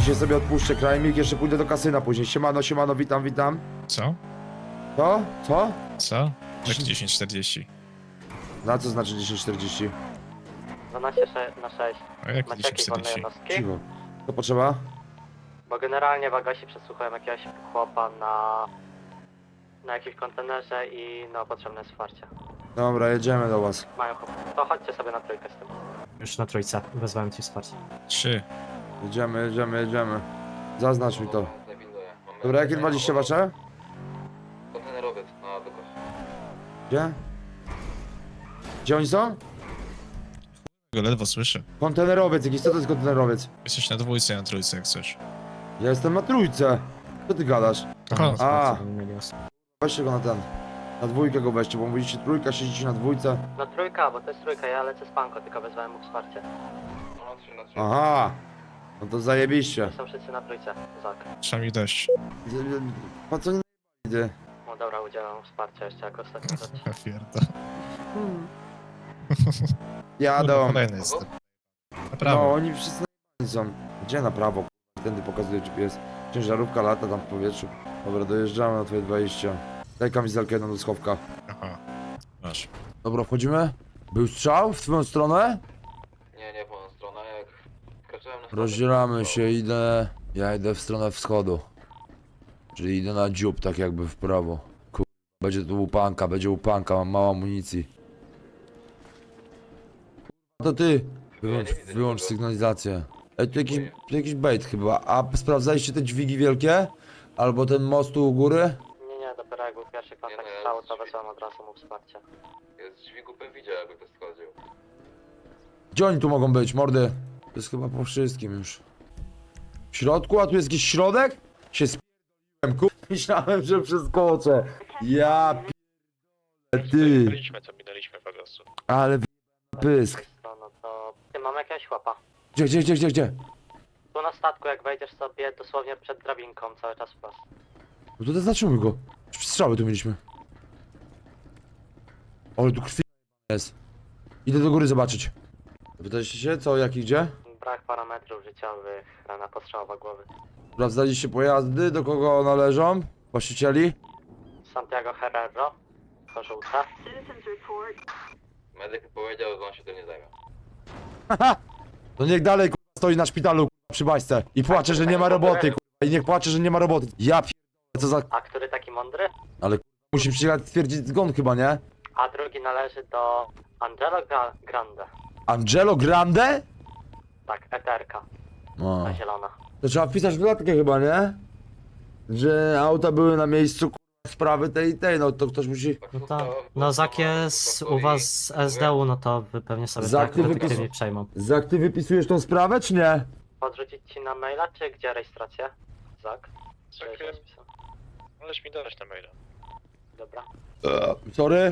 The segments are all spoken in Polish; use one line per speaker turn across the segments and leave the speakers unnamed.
Dzisiaj sobie odpuszczę krajmik, jeszcze pójdę do kasyna później. Siemano, siemano, witam, witam.
Co?
Co? Co?
Co? Jak 10:40?
Na co znaczy 10:40?
12 na 6.
A jak
Macie jakieś wolne
10:40?
jednostki?
Cicho. Co potrzeba?
Bo generalnie w Agasie przesłuchałem jakiegoś chłopa na jakimś kontenerze i no potrzebne jest wsparcie.
Dobra, jedziemy do was.
Mają chłop. To chodźcie sobie na trójkę z tym.
Już na trójce, wezwałem ci wsparcie.
3.
Jedziemy, jedziemy, jedziemy. Zaznacz mi to.
Mamy
Dobra, jakie 20 wasze?
kontenerowiec na Bykos.
Gdzie? Gdzie oni są?
Go ledwo słyszę.
Kontenerowiec, jakiś co to jest kontenerowiec?
Jesteś na dwójce, ja na trójce, jak chcesz.
Ja jestem na trójce. Co ty gadasz?
Aha,
A.
Nie mieli osób.
Weźcie go na ten. Na dwójkę go weźcie, bo mówicie trójka, siedzicie na dwójce.
Na trójka, bo to jest trójka, ja lecę z panko, tylko wezwałem mu wsparcie.
No na 3 na 3.
Aha. No to zajebiście.
Są wszyscy na trójce, Zak.
trzeba mi dać.
Pan co nie ty?
No dobra, udzielam wsparcia jeszcze jako ostatni rzecz.
Ja pierdol.
Jadą.
Kolejny jestem. Na
No,
prawo.
oni wszyscy na są. Gdzie na prawo? Tędy pokazuje GPS. Ciężarówka lata tam w powietrzu. Dobra, dojeżdżamy na twoje 20. Daj kamizelkę jedną do schowka.
Aha. Masz.
Dobra, wchodzimy. Był strzał w twoją stronę?
Nie w moją stronę, jak wkraczałem na
Rozdzielamy się, idę... Ja idę w stronę wschodu. Czyli idę na dziób, tak jakby w prawo. Będzie tu łupanka, będzie łupanka, mam mało amunicji. To ty! Wyłącz sygnalizację. Ej, tu jakiś bait chyba. A sprawdzaliście te dźwigi wielkie? Albo ten most tu u góry?
Nie, dopiero jak był pierwszy kontakt
Nie, no,
z
ja
cału, to
z-
wezwałem od razu mu wsparcie.
Jest dźwigu bym widział, jakby ktoś schodził.
Gdzie oni tu mogą być, mordy? To jest chyba po wszystkim już. W środku? A tu jest jakiś środek? Się spierdoliłem, myślałem, że przeskoczę. Ja p***e, ty.
Minęliśmy co minęliśmy Pagasu.
Ale pysk.
No to... Ty, mamy jakiegoś chłopa.
Gdzie?
Tu na statku, jak wejdziesz sobie dosłownie przed drabinką, cały czas wprost.
No to zatrzymuj go. Strzały tu mieliśmy. Ale tu krwi jest. Idę do góry zobaczyć. Pytaliście się co, jak i gdzie?
Brak parametrów życiowych, rana postrzałowa głowy.
Sprawdzaliście pojazdy, do kogo należą? Właścicieli?
Santiago Herrero, to żółte.
Medyk powiedział, że on się tym nie zajmie.
To niech dalej k***a, stoi na szpitalu k***a, przy baśce i płacze, że nie ma roboty k***a, i niech płacze, że nie ma roboty. Ja p***, co za...
A który taki mądry?
Musi przyjechać stwierdzić zgon chyba, nie?
A drugi należy do Angelo Grande.
Angelo Grande?
Tak, eterka,
No.
ta zielona.
To trzeba wpisać w dodatkę chyba, nie? Że auta były na miejscu k***a, sprawy tej i tej, no to ktoś musi...
Tak,
No
to-
tak.
to-
No
to-
Zak jest u was z SDU, no to wy pewnie sobie
Zak,
tak
ty
detektywnie
wypis-
przejmą.
Zak, ty wypisujesz tą sprawę, czy nie?
Podrzucić ci na maila, czy gdzie rejestrację? Zak? Czy
Zak,
jest rozpisane?
Możesz mi dać na maila.
Dobra.
Sorry?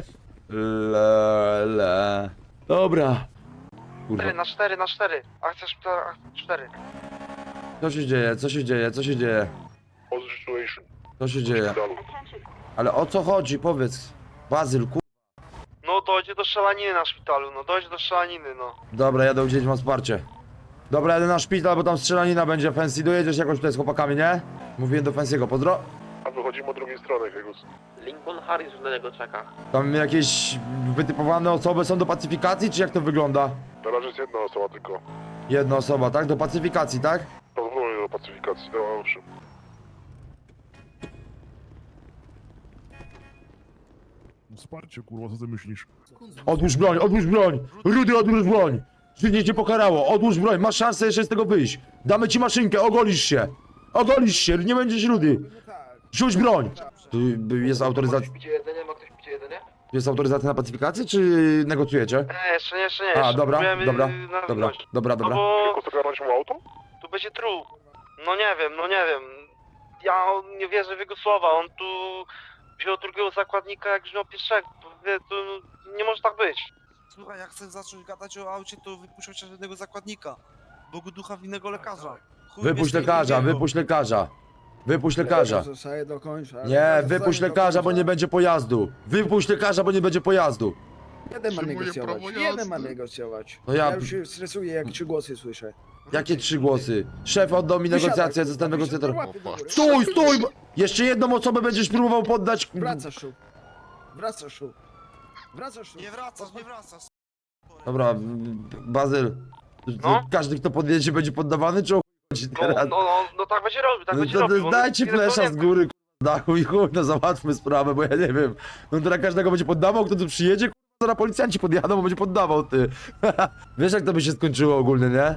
Le. Dobra. Kurwa.
4 na 4 na 4. Akcja szpitala 4.
Co się dzieje? Co się dzieje? Co się dzieje? Co się dzieje? Ale o co chodzi? Powiedz. Bazyl, kur...
No dojdzie do strzelaniny na szpitalu, no dojdzie do strzelaniny, no.
Dobra, jadę udzielić wam wsparcie. Dobra, jadę na szpital, bo tam strzelanina będzie. Fancy, dojedziesz jakoś tutaj z chłopakami, nie? Mówiłem do Fancy'ego, pozdro.
A wychodzimy od drugiej strony, Hegus.
Lincoln Harris już na niego czeka.
Tam jakieś wytypowane osoby są do pacyfikacji, czy jak to wygląda?
Na razie jest jedna osoba tylko.
Jedna osoba, tak? Do pacyfikacji, tak?
Pozwolenie do pacyfikacji, no owszem. Wsparcie, kurwa, co ty myślisz?
Odłóż broń, odłóż broń! Rudy, odłóż broń! Życie cię pokarało, odłóż broń, masz szansę jeszcze z tego wyjść. Damy ci maszynkę, ogolisz się. Ogolisz się, nie będziesz rudy. Rzuć broń! Tu jest autoryzacja,
Picie jedzenie? Ma ktoś picie jedzenie?
jest autoryzacja na pacyfikację, czy negocjujecie?
Nie, jeszcze nie.
A,
jeszcze
dobra,
próbujemy
dobra,
na
dobra,
gość.
dobra,
No
dobra.
bo
Tylko zagarnąć mu auto?
tu będzie trup. No nie wiem. Ja nie wierzę w jego słowa, on tu wziął drugiego zakładnika jak wziął pierwszego. To nie może tak być.
Słuchaj, jak chcesz zacząć gadać o aucie, to wypuść chociaż jednego zakładnika. Bogu ducha winnego lekarza. Chuj
Wypuść
wiesz,
lekarza,
drugiego.
wypuść lekarza. Wypuść lekarza.
Zostaje do końca.
Nie, wypuść lekarza, bo nie będzie pojazdu. Wypuść lekarza, bo nie będzie pojazdu.
Jeden ma
Przyjmuję
negocjować.
prawo
Jeden ma
jazdy.
negocjować.
No ja-
Ja już się stresuję, jak 3 głosy słyszę.
Jakie 3 głosy? Szef oddał mi
Wysiadaj,
negocjacje,
kurwa,
zostałem negocjatorem.
wysiadaj, łapy do góry.
Stój, stój! Jeszcze jedną osobę będziesz próbował poddać.
Wracasz tu. Wracasz tu. Wracasz tu.
Nie wracasz, nie wracasz.
Dobra, Bazyl.
No?
Każdy, kto podjedzie, będzie poddawany, czy o chuj chodzi teraz?
No tak będzie robił, tak
No
będzie
to
robił. on
dajcie
jest
flesza z
pierdolnięty.
góry, dachu i chuj, no załatwmy sprawę, bo ja nie wiem. No teraz każdego będzie poddawał, kto tu przyjedzie, zaraz policjanci podjadą, bo będzie poddawał, ty. Wiesz, jak to by się skończyło ogólnie, nie?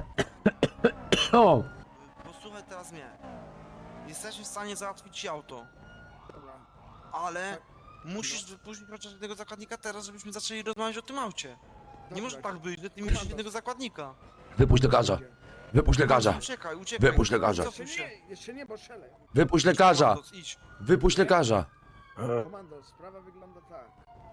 O,
Posłuchaj teraz mnie. Jesteśmy w stanie załatwić ci auto,
Dobra.
ale musisz wypuścić chociaż jednego zakładnika teraz, żebyśmy zaczęli rozmawiać o tym aucie. Nie
Dobra.
może tak być, że ty musisz jednego zakładnika.
wypuść lekarza, wypuść lekarza,
Uciekaj, uciekaj.
Wypuść lekarza.
Cofuj
Jeszcze
się.
nie, jeszcze nie, bo strzelę.
wypuść lekarza,
Komandos, idź.
wypuść lekarza.
Komando, sprawa wygląda tak.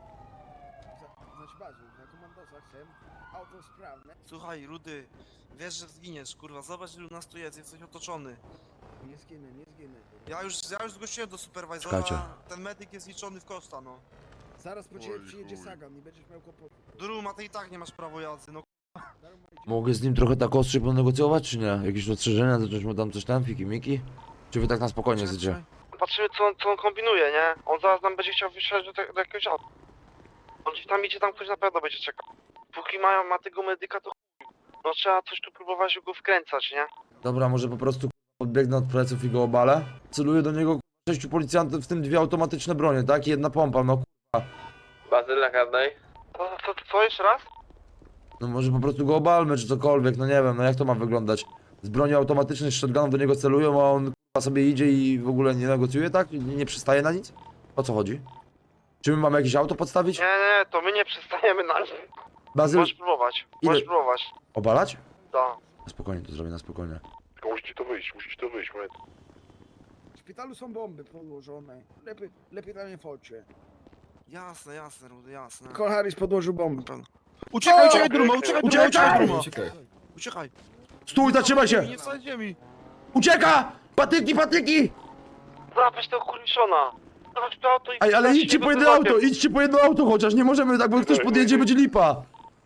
Znaczy bazu, na komandosach chcę auto sprawne.
Słuchaj, Rudy, wiesz, że zginiesz, kurwa, zobacz ilu nas tu jest, jesteś otoczony.
Nie zginę, nie zginę. kurwa.
Ja już zgłosiłem do superwajzora,
Czekajcie.
ten medyk jest liczony w koszta, no.
Zaraz po ciebie
Oj,
przyjedzie
chuj.
Sagan i będziesz miał kłopoty.
Duruma, ty i tak nie masz prawo jazdy, no.
Mogę z nim trochę tak ostrzej ponegocjować, czy nie? Jakieś ostrzeżenia, zacząć mu tam coś tam, fiki-miki? Czy wy tak na spokojnie chcecie?
Patrzymy co on kombinuje, nie? On zaraz nam będzie chciał wysiadać do jakiegoś auta. On gdzieś tam idzie, tam ktoś na pewno będzie czekał. Póki ma tego medyka, to chuj. No trzeba coś tu próbować go wkręcać, nie?
Dobra, może po prostu podbiegnę od pleców i go obalę? Celuję do niego 6 policjantów, w tym 2 automatyczne bronie, tak? I jedna pompa, no
Bazyl na karnej.
Co jeszcze raz?
no może po prostu go obalmy, czy cokolwiek, no nie wiem, no jak to ma wyglądać? Z broni automatycznych, z shotgunów do niego celują, a on sobie idzie i w ogóle nie negocjuje, tak? Nie przystaje na nic? O co chodzi? Czy my mamy jakieś auto podstawić?
Nie, to my nie przestajemy na nim.
Bazyl,
Możesz próbować,
ile-
możesz próbować.
obalać?
Da.
Na spokojnie, to zrobię na spokojnie.
Tylko musicie to wyjść, moment.
W szpitalu są bomby podłożone. Lepiej tam nie wchodźcie.
Jasne, jasne, Rudy, jasne.
Harris podłożył bomby.
Uciekaj, uciekaj, Duruma, uciekaj, Duruma,
Uciekaj!
Duruma.
Uciekaj.
Uciekaj.
Stój, zatrzymaj się!
Nie wsadź ziemi.
Ucieka! Patyki, patyki!
Złapać tego kurwiszona. Zobacz to auto i...
Ej, ale idźcie po jedno auto, idźcie po jedno auto chociaż, nie możemy tak, bo ktoś podjedzie, będzie lipa.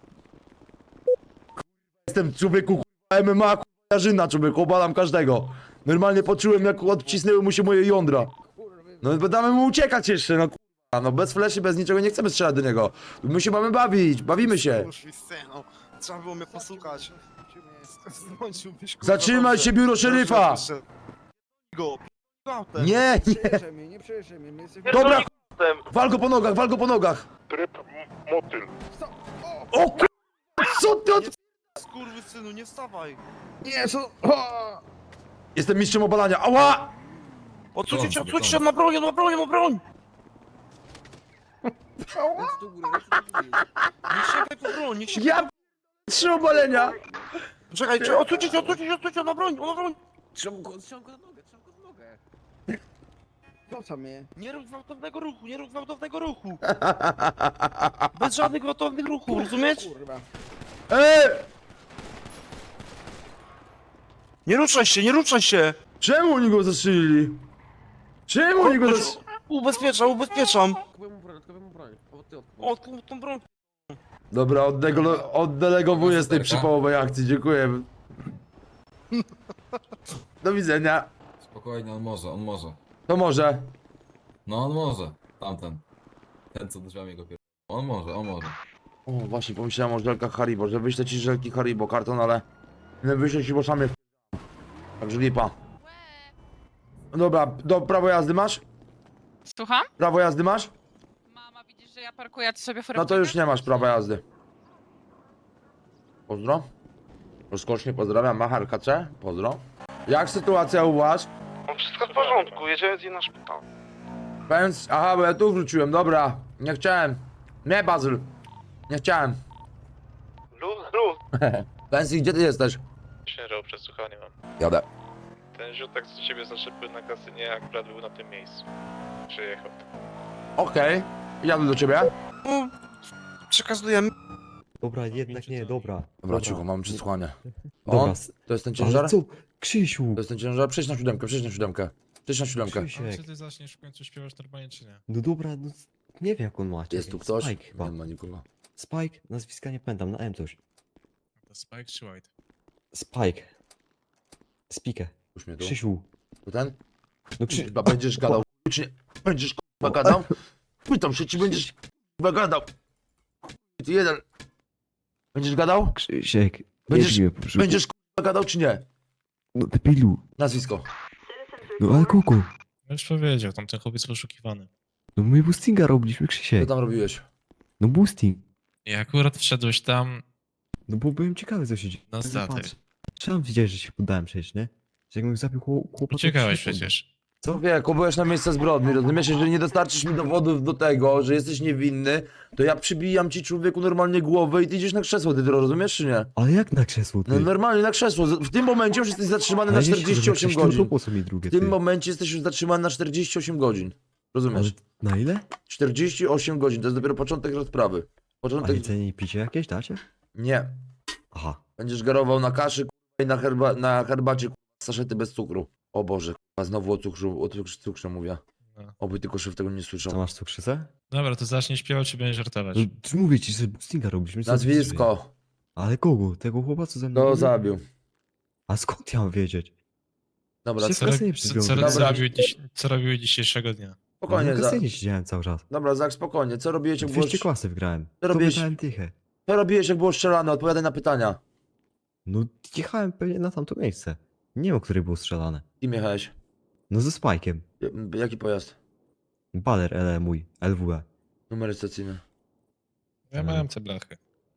Jestem człowieku k***a, MMA, k***a, jarzyna człowieku, obalam każdego. Normalnie poczułem jak odcisnęły mu się moje jądra. No damy mu uciekać jeszcze, no k***a, no bez fleszy, bez niczego, nie chcemy strzelać do niego. My się mamy bawić, bawimy się.
No, trzeba było mnie posłuchać. Zmąciłbyś, kurwa,
Zatrzymaj
dobrze.
się, biuro szeryfa!
Proszę, Go, autem.
Nie, nie,
Przejeżdżaj mnie, nie przejeżdżaj mnie, my jesteśmy...
dobra,
Autem.
wal go po nogach, wal go po nogach.
Tryb motyl.
Stop!
O k***a, co ty od...
Skurwysynu, nie wstawaj.
Nie, co? O!
Jestem mistrzem obalania, ała!
Odsuńcie się, ma broń, ma broń, ma broń.
Ręce do góry, ręce do góry.
Nie sięgaj po broń, nie sięgaj.
Ja 3 obalenia!
Czekaj, odsuńcie się, ma broń, ma broń.
Trzymam go na nogę, trzymam go na nogę. Co tam mnie?
Nie rób gwałtownego ruchu, nie rób gwałtownego ruchu. Bez żadnych gwałtownych ruchów, rozumiesz?
Kurwa.
Nie ruszaj się, nie ruszaj się.
Czemu oni go zastrzelili? Czemu oni go zastrzelili?
Ubezpieczam. O, tą broń.
Dobra, oddelegowuję z tej przypałowej akcji, dziękuję. Do widzenia.
Spokojnie, on może.
To może.
No on może. Tamten. Ten co drzwiami go pier... On może.
O, właśnie pomyślałem o żelkach Haribo, że wyślę ci żelki Haribo, karton, ale... Nie wyślę ci, bo sam je Także lipa. Dobra, prawo jazdy masz?
Słucham?
Prawo jazdy masz?
Mama, widzisz, że ja parkuję, a ty sobie
No to już nie masz prawa jazdy. Pozdro. Rozkosznie pozdrawiam, Machar KC. Pozdro. Jak sytuacja u was?
No wszystko w porządku, jedziemy z nim na szpital.
Więc, aha, bo ja tu wróciłem, dobra. Nie chciałem. Nie, Bazyl. Nie chciałem.
Luz.
Pensji, gdzie ty jesteś?
Śnieżał przesłuchanie mam.
Jadę.
Ten ziutek z ciebie zaczepił na kasynie, akurat był na tym miejscu. Przyjechał.
Okej. Jadę do ciebie.
Przekazujemy.
Dobra, jednak nie, dobra.
Dobra, cicho, mam przesłanie.
Dobra,
On? To jest ten ciężar?
ale co? Krzysiu!
To jest ten ciężar? Przejdź na siódemkę.
Krzysiek.
ty zaczniesz w końcu śpiewać normalnie, czy nie?
No dobra, no nie wiem jak on ma.
Jest tu
Czekaj,
ktoś?
Spike chyba.
Nie ma nikogo.
Spike? Nazwiska nie pamiętam, na M coś.
To Spike czy White?
Spike. Spikę.
Puść mnie tu.
Krzysiu.
To ten?
No
Chyba będziesz gadał, czy nie? Będziesz k***a gadał? Pytam się, czy będziesz k***a gadał? Ty jeden. Będziesz gadał?
Krzysiek.
Będziesz-
jedź mnie po brzuchu.
Będziesz k***a gadał, czy nie?
No debilu.
Nazwisko.
No ale kogo?
Już powiedział, tamten chłopiec poszukiwany.
No my boostinga robiliśmy,
Co
Krzysiek.
tam robiłeś?
No boosting.
I akurat wszedłeś tam
No bo byłem ciekawy, co się dzieje.
na statek.
Patrz. Sam widziałeś, że się poddałem przecież, nie? Że jakbym zabił chłopa, to
Uciekałeś
się nie
przecież.
Człowieku, byłeś na miejsce zbrodni, rozumiesz? Jeżeli nie dostarczysz mi dowodów do tego, że jesteś niewinny, to ja przybijam ci, człowieku, normalnie głowę i ty idziesz na krzesło, ty to rozumiesz, czy nie?
Ale jak na krzesło, ty?
No normalnie na krzesło. W tym momencie już jesteś zatrzymany na
Ale nie się
48
krzesło,
godzin.
To po co mi drugie,
W tym
ty?
momencie jesteś już zatrzymany na 48 godzin. Rozumiesz?
Ale na ile?
48 godzin, to jest dopiero początek rozprawy.
A
Początek...
jedzenie i picie jakieś dacie?
Nie.
Aha.
Będziesz garował na kaszy k***a, i na herbacie k***a, saszety bez cukru. O Boże, k***a, znowu o cukrze mówię.
No.
Oby tylko szyf tego nie
Co
słyszał.
masz cukrzycę?
Dobra, to zacznij śpiewać, czy będziesz żartować.
No czy mówię ci, że boostinga robiliśmy. co ty chcesz wiedzieć?
Nazwisko.
Ale kogo? Tego chłopa, co ze mną
Kto
był?
zabił?
A skąd ja mam wiedzieć?
Dobra,
Się-
Co,
kasynie przed chwilą
co,
Dobra.
co robiły dzisiejszego dnia?
spokojnie,
Na kasynie siedziałem cały czas.
Dobra, Zak, spokojnie. Co robiłeś, jak było...
200 klasy wgrałem.
Co
To
robiłeś?
wydałem tychę.
Co robiłeś, jak było strzelane? Odpowiadaj na pytania.
No jechałem pewnie na tamto miejsce. Nie wiem, o której było strzelane.
Kim jechałeś?
No ze spajkiem.
Jaki pojazd?
Baler LE mój, LWE.
Numer stacyjny.
Ja miałem te blachy.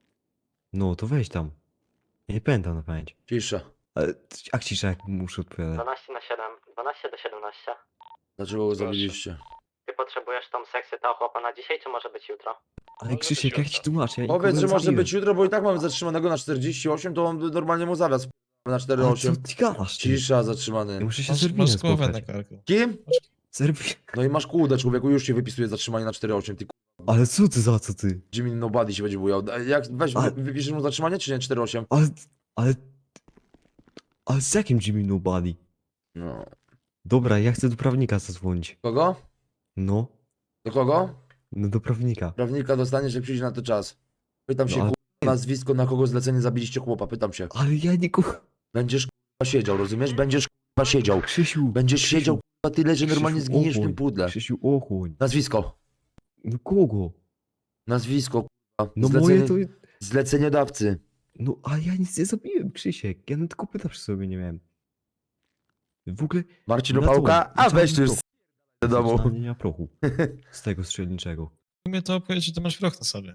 No to weź tam. Ja nie pamiętam na pamięć.
Cisza.
Ale jak cisza, jak muszę odpowiadać.
12 na 7, 12 do 17.
Dlaczego go zabiliście?
Ty potrzebujesz tą sekcję tego chłopa na dzisiaj, czy może być jutro?
Ale
Może
Krzysiek,
być
jak ci
jutro.
tłumaczę? Ja
Powiedz,
nikogo
że
nie
może
zabiłem.
być jutro, bo i tak mamy zatrzymanego na 48, to on normalnie mu zawiaz na
Ale
4,8.
co ty gadasz, ty?
Cisza,
Ja
zatrzymany.
muszę się z
Masz,
Erwinem
masz głowę na
spotkać.
karku.
Kim?
Serwin.
No i masz kłudę, człowieku, już się wypisuje zatrzymanie na 4,8. Ty
Ale co ty za co ty?
Jimmy Nobody się będzie bujał. Jak weź,
Ale-
wypiszesz mu zatrzymanie, czy nie? 4,8?
Ale... Ale z jakim Jimmy Nobody?
No.
Dobra, ja chcę do prawnika zadzwonić.
Kogo?
No.
Do kogo?
No do prawnika.
Prawnika dostaniesz, jak przyjdzie na to czas. Pytam się,
No, ale-
kurwa, nazwisko, na kogo zlecenie zabiliście chłopa, pytam się.
Ale ja nikogo...
Będziesz kurwa siedział, rozumiesz? Będziesz kurwa siedział.
Krzysiu.
Będziesz
Krzysiu,
siedział kurwa tyle, że normalnie
Krzysiu,
zginiesz w tym
ochłoń.
pudle.
Krzysiu, ochłoń.
Nazwisko.
No kogo?
Nazwisko, kurwa.
No moje to...
Zleceniodawcy.
No a ja nic nie zrobiłem, Krzysiek. Ja nawet tylko pyta przy sobie nie miałem. W ogóle...
Marcin
na co?
Opałka? A
Na
weź tu już
czarnym
do domu.
prochu. Nie ma prochu. Z tego strzelniczego.
Mnie to opowiedz, że ty masz proch na sobie.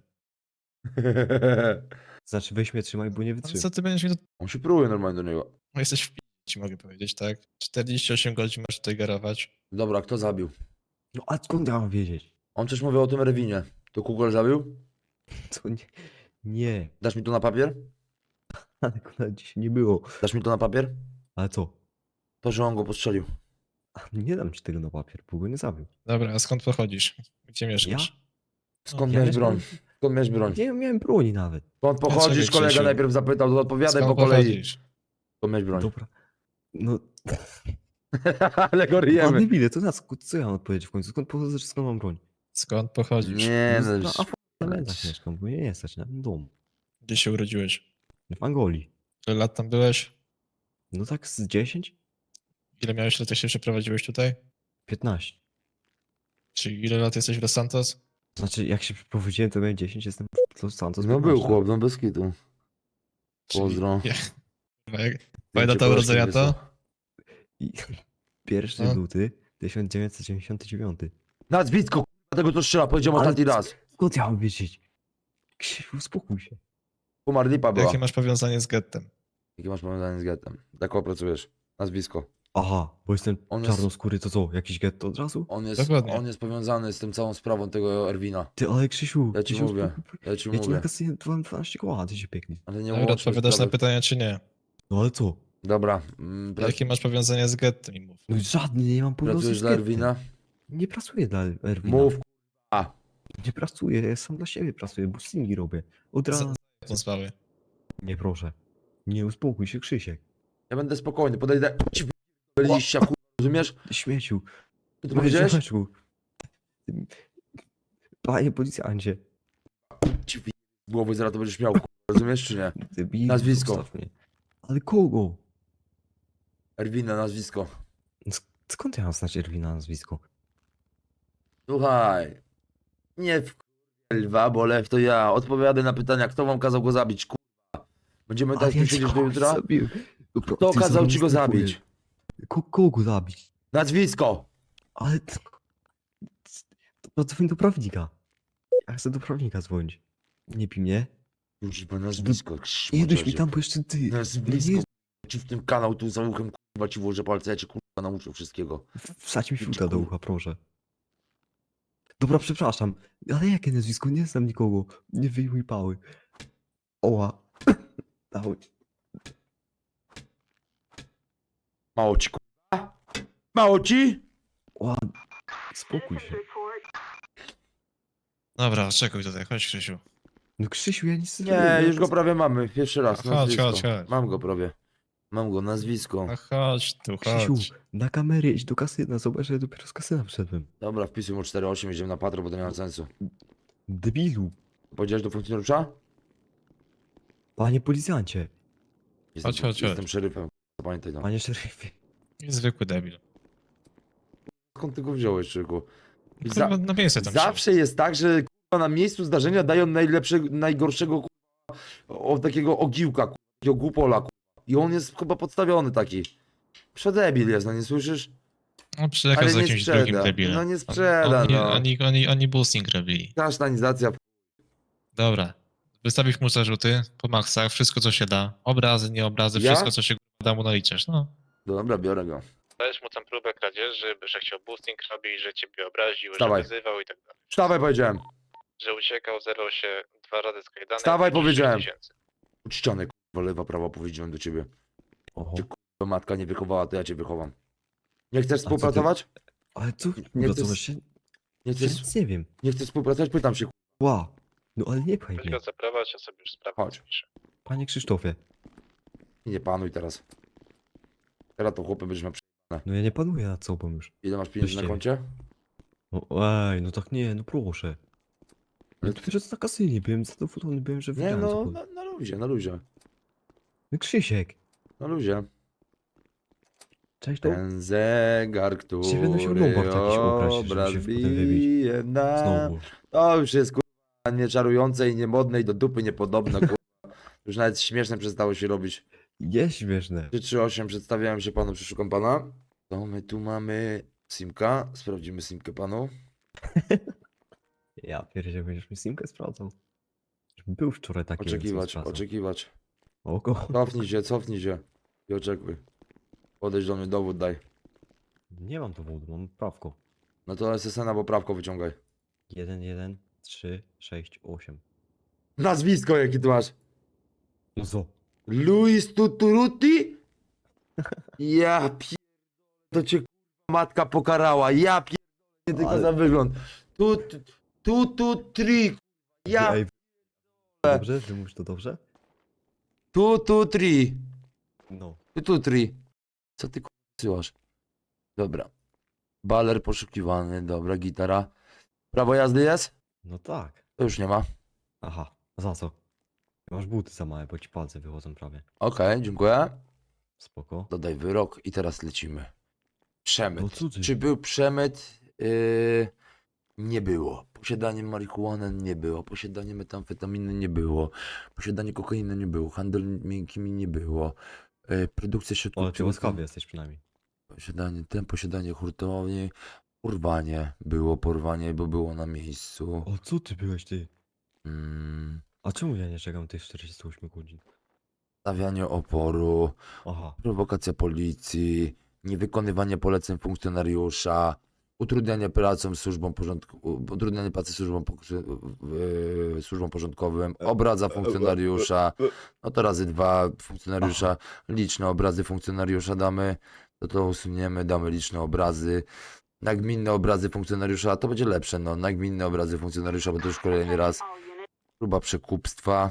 Znaczy weź mnie trzymaj, bo nie
Ale
wytrzymam.
co ty będziesz mi do...
On się próbuje normalnie do niego.
No jesteś w ci mogę powiedzieć, tak? 48 godzin masz tutaj garować.
Dobra, kto zabił?
No a skąd ja mam wiedzieć?
On też mówił o tym Rewinie. To Kugel zabił?
To nie... Nie.
Dasz mi to na papier?
Ale kurwa dzisiaj nie było.
Dasz mi to na papier?
Ale co?
To, że on go postrzelił.
A nie dam ci tego na papier, bo go nie zabił.
Dobra, a skąd pochodzisz? Gdzie mieszkasz?
Skąd
Ja
miałeś
mieszkam-
broń? Skąd miałeś broń?
Nie miałem broni nawet.
Skąd pochodzisz?
Dlaczego,
Kolega
Krzysiu?
najpierw zapytał, to odpowiadaj
Skąd
po kolei.
pochodzisz?
Skąd miałeś broń?
Dobra. No,
Ale go
a
ryjemy.
debile, to na co ja mam odpowiedzieć w końcu? Skąd pochodzę, czy skąd mam broń?
Skąd pochodzisz?
Nie,
No,
no,
na apartamentach mieszkam, bo nie stać na domu.
Gdzie się urodziłeś?
W Angolii.
Ile lat tam byłeś?
No tak z 10?
Ile miałeś lat, jak się przeprowadziłeś tutaj?
15.
Czyli ile lat jesteś w Los Santos?
Znaczy, jak się przeprowadziłem, to miałem 10, jestem w Los Santos.
No
15.
był chłop, no bez kitu.
Czyli-
Pozdro.
Ja, kurwa, jak... Twoja data urodzenia to?
I 1
No.
luty 1999.
Nazwisko, k***a, tego to strzela, powiedziałem
Ale
ostatni
co-
raz.
Skąd ja mam wiedzieć? Krzysiu, uspokój się.
Pomarlipa była.
Jakie masz powiązanie z gettem?
Jakie masz powiązanie z gettem? Tak opracujesz. Nazwisko.
Aha, bo jestem
On jest-
czarnoskóry, to co? Jakiś getto od razu?
Dokładnie.
On jest powiązany z tym całą sprawą tego Erwina.
Ty, ale Krzysiu,
Ja ci
ty się
mówię.
uspokój.
Ja ci
Ja ci
mówię.
na kasynie dałem 12 koła, ty się pięknie.
Ale nie
Dobra,
łączmy
odpowiadasz na
sprawy.
pytania czy nie?
No ale co?
Dobra.
Jakie masz powiązanie z gettem i mów.
No żadny, nie mam powiązania
Pracujesz
z
dla
gettem.
Erwina?
Nie pracuję dla Erwina.
Mów, k***a.
Nie pracuję, ja sam dla siebie pracuję, boostingi robię. Od razu.
Tą sprawę.
Nie proszę. Nie uspokój się, Krzysiek.
Ja będę spokojny, podejdę. Ci w liścia, k***a, rozumiesz?
Ty śmieciu.
Co ty powiedziałeś?
ziomeczku. Panie policjancie.
Ci w głowy zaraz to będziesz miał, k***a, rozumiesz czy nie?
Debilu,
Nazwisko.
zostaw mnie. Ale kogo?
Erwina nazwisko.
Skąd ja mam znać Erwina nazwisko?
Słuchaj. Nie w lwa, bo lew to ja. Odpowiadaj na pytania, kto wam kazał go zabić, kurwa. Będziemy tak
Ale
tu
ja
siedzieć do
kogoś
jutra?
zabiłem.
Kto kazał ci go zabić?
Kogo zabić?
Nazwisko!
Ale to dzwoń do prawnika. Ja chcę do prawnika dzwonić. Nie pij mnie.
Już chyba nazwisko.
Jedź mi tam, bo jeszcze ty.
Nazwisko.
Nie,
Ci w tym kanał tu za uchem, kurwa, ci włożę palce, ja cię kurwa nauczę wszystkiego.
wsadź mi fiuta do ucha, proszę. Dobra, przepraszam. Ale jakie nazwisko? Nie znam nikogo. Nie wyjmuj pały. Oła. Dawaj.
Mało ci, kurwa? Mało ci?
Oła. Spokój się.
Dobra, czekuj tutaj, chodź Krzysiu.
No Krzysiu, ja nic
Nie, już go prawie mamy. Pierwszy raz.
Chodź,
Nazwisko.
chodź, chodź.
Mam go prawie. Mam go, nazwisko.
No chodź tu,
Krzysiu,
chodź.
na kamerę idź do kasyna. Zobacz, że ja dopiero z kasyna wszedłem.
Dobra, wpisuj mu 4-8, jedziemy na patrol, bo to nie ma sensu.
Debilu.
Powiedziałeś do funkcjonariusza?
Panie policjancie.
Jestem,
Chodź, chodź,
Jestem
chodź.
szeryfem. Pamiętaj to.
Panie szeryfie.
Zwykły debil.
Skąd ty go wziąłeś, Czyku? I
Kurwa, na miejsce tam
zawsze jest tak, że kurwa, na miejscu zdarzenia dają najgorszego kurwa, takiego ogiłka, kurwa, takiego głupola. Kurwa. I on jest chyba podstawiony taki. Przedebil jest, no nie słyszysz?
No przyjechał
Ale
z
nie
jakimś
sprzeda.
drugim debilem.
No nie sprzeda, no.
Oni boosting robili.
Kasztanizacja.
Dobra. Wystawisz mu zarzuty po maksach, wszystko co się da. Obrazy, nie obrazy,
Ja?
wszystko co się da mu naliczasz, no.
Dobra, biorę go.
Dajesz mu tam próbę kradzieży, że chciał boosting robić, że ciebie obraził,
Wstawaj.
że wyzywał i tak dalej.
Wstawaj, powiedziałem.
Że uciekał, zerwał się 2 razy z kajdanek.
Wstawaj,
i 6
powiedziałem.
tysięcy.
Uczciony, kurwa, lewa, prawa powiedziałem do ciebie.
Oho.
Cię, kurwa, matka nie wychowała, to ja cię wychowam. Nie chcesz
ty-
współpracować?
Ale co?
Nie
Pracować
chcesz-
się?
Nie
Ja
chcesz,
nic nie wiem.
nie chcesz współpracować? Pytam się, kurwa.
Ła. No ale nie pchaj mnie.
Tylko zaprawać, ja sobie już sprawę
Chodź.
zapiszę.
Panie Krzysztofie.
Nie panuj teraz. Teraz to chłopy będziesz miał przy...
No ja nie panuję nad sobą już.
Ile masz pieniędzy na
Weźcie.
koncie?
No ej, no tak nie, no proszę. Ale dopiero co na kasynie byłem, zadowolony byłem, że
Nie,
wygrałem
no,
cokolwiek.
na luzie, na luzie.
No Krzysiek.
Na luzie.
Cześć to?
Ten zegar, który
Dzisiaj będę musiał Lombard jakiś ubrać, żeby
obraz
się potem wybić.
bije na...
Znowu.
To już jest kurwa nieczarujące i niemodne i do dupy niepodobne, kurwa. Już nawet śmieszne przestało się robić.
Jest śmieszne.
338, przedstawiałem się panu, przeszukam pana. To my tu mamy Simka, sprawdzimy Simkę panu.
Ja pierdzie, będziesz mi simkę sprawdzał. Był wczoraj taki. więc
Oczekiwać,
sprawdzał.
oczekiwać.
Oko.
Cofnij się i oczekuj. Podejdź do mnie, dowód daj.
Nie mam dowodu, mam prawko.
No to SSN albo prawko wyciągaj.
1, 1, 3, 6, 8.
Nazwisko jaki tu masz?
No co?
Luis Tuturuti? Ja pier... To cię kurwa matka pokarała. Ja pier... Nie tylko
Ale-
za wygląd. Tutri. Ja
Ej, dobrze? Że mówisz to dobrze?
Tutri.
No.
Tutri. Co ty kurwa? Dobra. Baler poszukiwany, dobra, gitara. Prawo jazdy jest?
No tak.
To już nie ma.
Aha, a za co? Masz buty za małe, bo ci palce wychodzą prawie.
Okej, dziękuję.
Spoko.
Dodaj wyrok i teraz lecimy. Przemyt.
No co ty?
Czy był przemyt? Nie było. Posiadanie marihuany nie było. Posiadanie metamfetaminy nie było. Posiadanie kokainy nie było. Handel miękkimi nie było. Produkcja środków
Ale ty
psychotropowych-
łaskawy jesteś przynajmniej.
posiadanie hurtowni. Porwanie. Było porwanie, bo było na miejscu.
O co ty byłeś ty?
Mm,
A czemu ja nie czekam tych 48 godzin?
stawianie oporu.
Aha.
Prowokacja policji, niewykonywanie poleceń funkcjonariusza, utrudnianie pracą służbom porządku, utrudnianie pracy służbom porządkowym, obraza funkcjonariusza, no to razy 2 funkcjonariusza, liczne obrazy funkcjonariusza damy, to usuniemy, damy liczne obrazy, nagminne obrazy funkcjonariusza, to będzie lepsze, no, nagminne obrazy funkcjonariusza, bo to już kolejny raz, próba przekupstwa,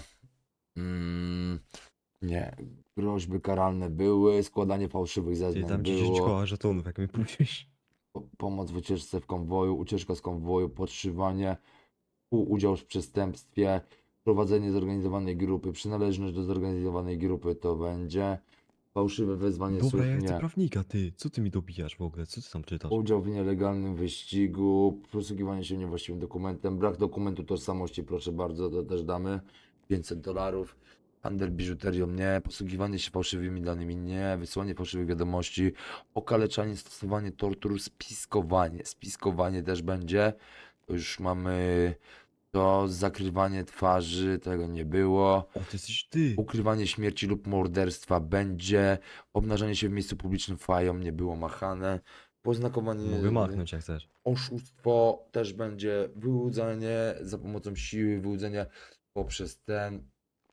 nie, groźby karalne były, składanie fałszywych
Ty
zeznań
dam ci 10
było,
koła żetonów, jak mi pójdziesz.
pomoc w ucieczce w konwoju, ucieczka z konwoju, podszywanie, współudział w przestępstwie, prowadzenie zorganizowanej grupy, przynależność do zorganizowanej grupy to będzie, Fałszywe wezwanie
Dobra,
służb
ja chcę
nie.
prawnika, ty. Co ty mi dobijasz w ogóle? Co ty tam czytasz?
Udział w nielegalnym wyścigu, posługiwanie się niewłaściwym dokumentem, brak dokumentu tożsamości, proszę bardzo, to też damy. $500. Handel biżuterią nie, posługiwanie się fałszywymi danymi nie, wysłanie fałszywych wiadomości, okaleczanie, stosowanie tortur, spiskowanie. Spiskowanie też będzie. To już mamy to, zakrywanie twarzy, tego nie było.
O, to jesteś ty.
Ukrywanie śmierci lub morderstwa będzie. Obnażanie się w miejscu publicznym fają nie było machane. Poznakowanie.
Mogę machnąć jak chcesz.
Oszustwo też będzie. Wyłudzenie za pomocą siły, wyłudzenie poprzez ten.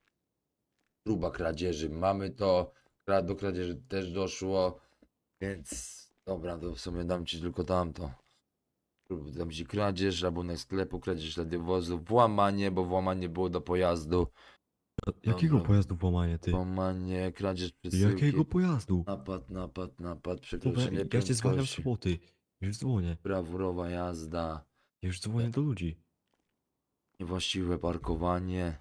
Próba kradzieży. Mamy to. Do kradzieży też doszło. Więc dobra, to w sumie dam ci tylko tamto. Dam ci kradzież, rabunek sklepu, kradzież radiowozu, włamanie, bo włamanie było do pojazdu.
Jakiego
Dobra.
pojazdu włamanie, ty?
Włamanie, kradzież przesyłki.
Jakiego pojazdu?
Napad,
Dobra,
przekroczenie
ja cię zwalniam z
prędkości,
roboty. Już dzwonię.
brawurowa jazda,
Ja już dzwonię do ludzi.
niewłaściwe parkowanie.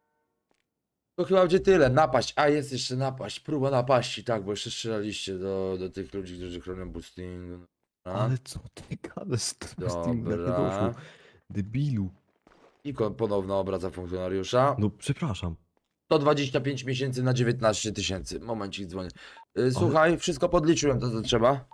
To chyba będzie tyle. Napaść, a jest jeszcze napaść, próba napaści, tak, bo jeszcze strzelaliście do tych ludzi, którzy chronią boosting.
Ale co ty gadasz z tym Steam, jak nie
Dobra.
doszło? Debilu.
I ponowna obraza funkcjonariusza.
No przepraszam.
125 miesięcy na 19 000. Momencik dzwonię. Słuchaj, wszystko podliczyłem to, co trzeba.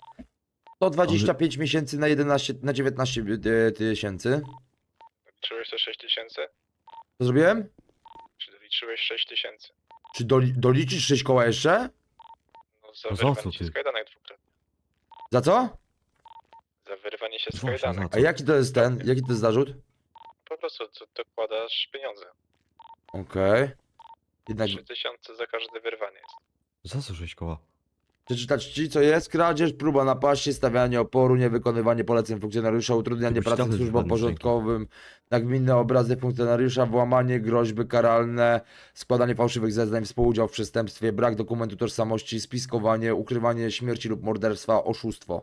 125 miesięcy na 19 000.
Liczyłeś te 6000?
Co zrobiłem?
Czy liczyłeś 6000?
Czy doliczyć 6 koła jeszcze?
No za
No za
wyrwanie
co
się
ty?
z kajdanek dwukrotnie.
Za co?
Za wyrwanie się z
Właśnie,
kajdanek.
za
A
co?
jaki to jest ten? Jaki to jest zarzut?
Po prostu dokładasz pieniądze.
Okej. Jednak
3000 za każde wyrwanie jest.
Za co 6 koła?
przeczytać ci, co jest? Kradzież, próba napaści, stawianie oporu, niewykonywanie poleceń funkcjonariusza, utrudnianie
Ty byś
pracy
dawno
służbom
żadnych
porządkowym, nagminne obrazy funkcjonariusza, włamanie, groźby karalne, składanie fałszywych zeznań, współudział w przestępstwie, brak dokumentu tożsamości, spiskowanie, ukrywanie śmierci lub morderstwa, oszustwo.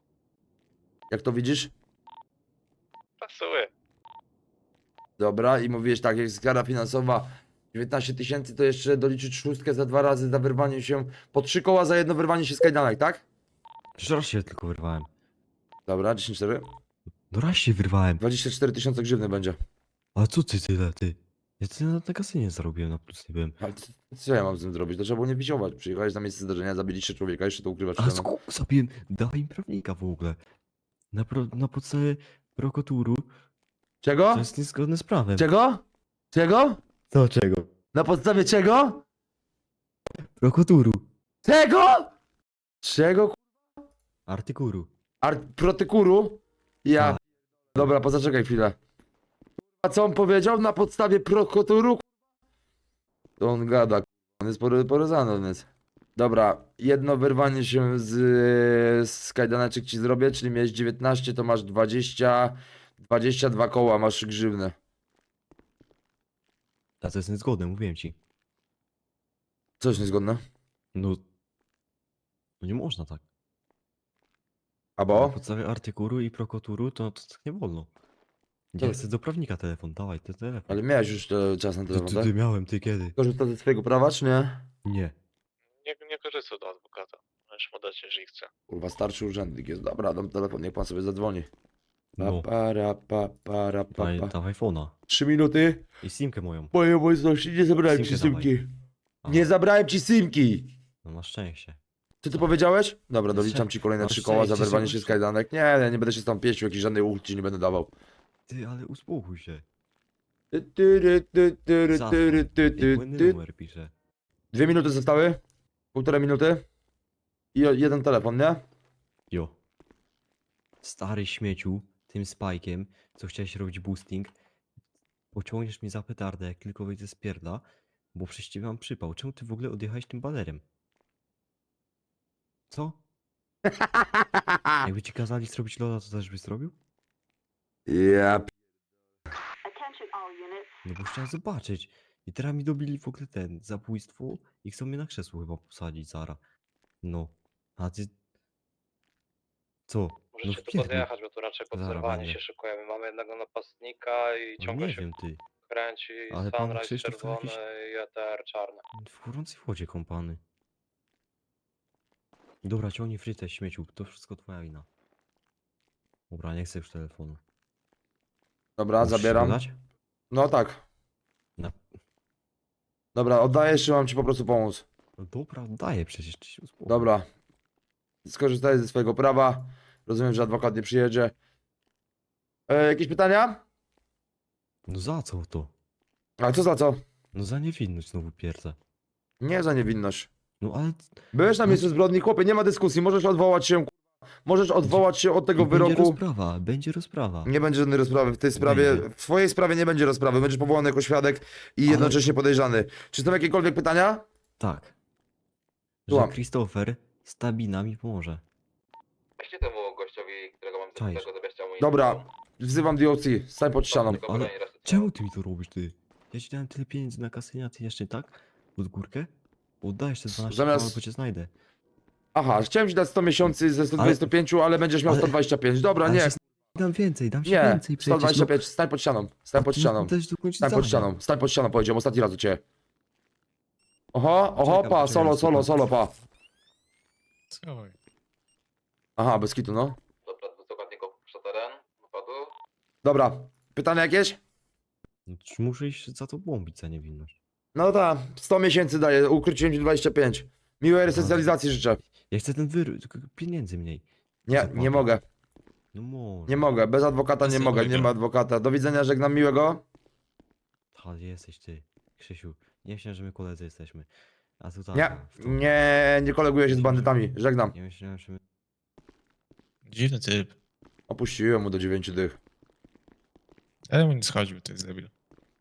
Jak to widzisz?
Pasuje.
Dobra, i mówiłeś tak, jak jest kara finansowa 19 000, to jeszcze doliczyć szóstkę za 2 razy za wyrwanie się, po 3 koła za jedno wyrwanie się z kajdanek, tak?
Przecież raz się tylko wyrwałem.
Dobra, 10-4.
No raz się wyrwałem.
24 000 grzywny będzie.
Ale co ty tyle, ty? Ja tyle na kasynie zarobiłem, na plus nie byłem.
Ale co ja mam z tym zrobić? To trzeba było nie wiziować. Przyjechałeś na miejsce zdarzenia, zabiliście człowieka, jeszcze to ukrywasz
Ale
przede mną.
zabiłem, dawaj im prawnika w ogóle. Na podstawie prokoturu
Czego?
to jest niezgodne z prawem.
Czego? Czego?
Co czego?
Na podstawie czego?
Prokoturu.
Czego? Czego?
Artykuru.
Protykuru? Ja.
Tak.
Dobra, pozaczekaj chwilę. A co on powiedział? Na podstawie prokoturu? To on gada, on jest porozany, on jest. Dobra, jedno wyrwanie się z kajdaneczek ci zrobię, czyli miałeś 19, to masz 20, 22 koła, masz grzywny.
A to jest niezgodne, mówiłem ci.
Coś niezgodne?
No. No nie można tak.
A
Na
bo?
podstawie artykuru i prokoturu to tak nie wolno.
To-
Ja chcę do prawnika telefon, dawaj ten telefon.
Ale miałeś już czas na telefon, tak?
Ty miałem, ty kiedy?
Korzystasz ze swojego prawa, czy nie?
Nie.
Nie korzystaj do adwokata. Możesz mu dać, jeżeli chce.
Kurwa, starszy urzędnik jest. Dobra, dam telefon, niech pan sobie zadzwoni. Pa,
No,
para, pa, para, pa, pa.
dawaj iPhone'a.
3 minuty.
I simkę moją.
Mojej obecności nie zabrałem ci
Simkę
symki.
A,
Nie zabrałem ci symki.
No masz szczęście.
Co ty powiedziałeś? Dobra, doliczam ci kolejne
Masz
3 koła za
szczęście,
wyrwanie
że
się z
masz-
kajdanek. Nie, ja nie będę się z tą pieścił, jakiś żadnej ulgi ci nie będę dawał.
Ty, ale uspokój się.
Ty, ty, ty, ty,
Zadzwoń.
ty, ty,
Jak
ty,
błędny
ty.
numer pisze.
2 minuty zostały. 1,5 minuty. I jeden telefon, nie?
Jo. Stary śmieciu, tym spajkiem, co chciałeś robić boosting, pociągniesz mnie za petardę, jak tylko wyjdę z pierdla, bo przecież ciebie mam przypał. Czemu ty w ogóle odjechałeś tym banerem? Co? Jakby ci kazali zrobić loda, to też byś zrobił?
Ja
No bo chciałem zobaczyć. I teraz mi dobili w ogóle ten, zabójstwo i chcą mnie na krzesło chyba posadzić zara. No. A ty... Co? No
Możecie tu
wpierdol.
podjechać, bo tu raczej pod
Zaraz
zerwanie
będę.
się szykujemy. Mamy jednego napastnika i
No
ciągle
nie
się
wiem ty.
kręci.
Ale pan
Sunrise
Krzysztof to
czerwony
jakiś-
i ETR czarny.
W gorącej wodzie kąpany. Dobra, ciągnij frytę, śmieciu. To wszystko twoja wina. Dobra, nie chcę już telefonu.
Dobra,
Musisz
zabieram.
go dać?
No tak.
No.
Dobra, oddajesz, czy mam ci po prostu pomóc?
No dobra, daję przecież. Ty się uspokój.
Dobra. Skorzystaj ze swojego prawa. Rozumiem, że adwokat nie przyjedzie. Jakieś pytania?
No za co to?
A co za co?
No za niewinność znowu pierdza.
Nie za niewinność.
No ale...
Byłeś na miejscu zbrodni, chłopie, nie ma dyskusji. Możesz odwołać się, możesz odwołać się od tego
I będzie
wyroku.
rozprawa, będzie rozprawa.
Nie będzie żadnej rozprawy w tej sprawie.
Będzie.
W twojej sprawie nie będzie rozprawy. Będziesz powołany jako świadek i
Ale-
jednocześnie podejrzany. Czy są jakiekolwiek pytania?
Tak. Że
Słucham.
Christopher z Tabina mi pomoże.
Weźcie temu gościowi, którego mam
Czaisz.
tego zabierzcie mu
Dobra, wzywam DOC. Stań pod ścianą.
Ale czemu ty mi to robisz, ty? Ja ci dałem tyle pieniędzy na kasynie, a ty jeszcze tak? Pod górkę? Oddajesz te 12
Zamiast-
koła, bo cię znajdę.
Aha, chciałem ci dać 100 miesięcy ze 125, ale będziesz miał
ale-
125. Dobra,
Ale
nie.
się dam więcej, dam ci
Nie,
więcej przecież.
125. Stań pod ścianą. Stań pod ścianą.
Też dokończyć
Stań pod
zadanie.
ścianą. Stań pod ścianą, powiedziałem ostatni raz do ciebie. Oho,
Poczekam,
pa, solo,
poczekam.
pa.
Schowaj.
Aha, bez kitu, no.
Dobra, dwóch zakładników puszcza teren, wypadu.
Dobra, pytania jakieś?
No, czy muszę iść za to bombić za niewinność?
No tak, 100 miesięcy daję, ukróciłem ci 25. Miłej resocjalizacji życzę.
Ja chcę ten wyrób, tylko pieniędzy mniej.
Nie,
Zapłatę.
nie mogę,
No może.
nie mogę, bez adwokata nie
Bez
mogę, nie
innego.
ma adwokata. Do widzenia, żegnam miłego.
Ta, jesteś ty, Krzysiu. Nie myślałem, że my koledzy jesteśmy. A tu tak.
Nie, nie koleguję się z bandytami, żegnam.
Nie myślałem, że my...
Dziwny typ.
Opuściłem mu do 9 dych.
Ale mu nie schodził, to jest debil.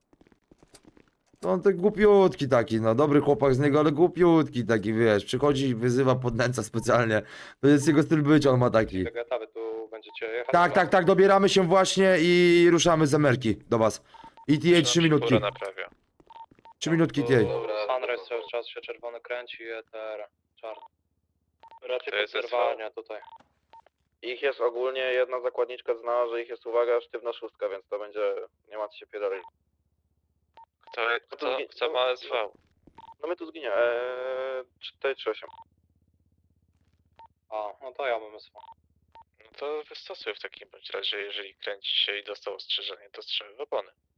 No on tak głupiutki taki, no dobry chłopak z niego, ale głupiutki taki, wiesz, przychodzi i wyzywa, podnęca specjalnie. To jest jego styl bycia, on ma taki.
Tego etapy tu będziecie jechać?
Tak, dobieramy się właśnie i ruszamy z Emerki do was. ETA 3 minutki,
Naprawia.
3 minutki ETA.
Dobra,
Sunrise cały czas się czerwony kręci, ETR czarny. Raczej
To jest
podserwowania tutaj.
Ich jest ogólnie, jedna zakładniczka znała, że ich jest, uwaga, sztywna szóstka, więc to będzie, nie ma co się pierdolić.
Kto ma SV?
No my tu zginie, 438.
A, no to ja mam SV. No to wystosuj w takim bądź razie, jeżeli kręci się i dostał ostrzeżenie, to strzelę w opony.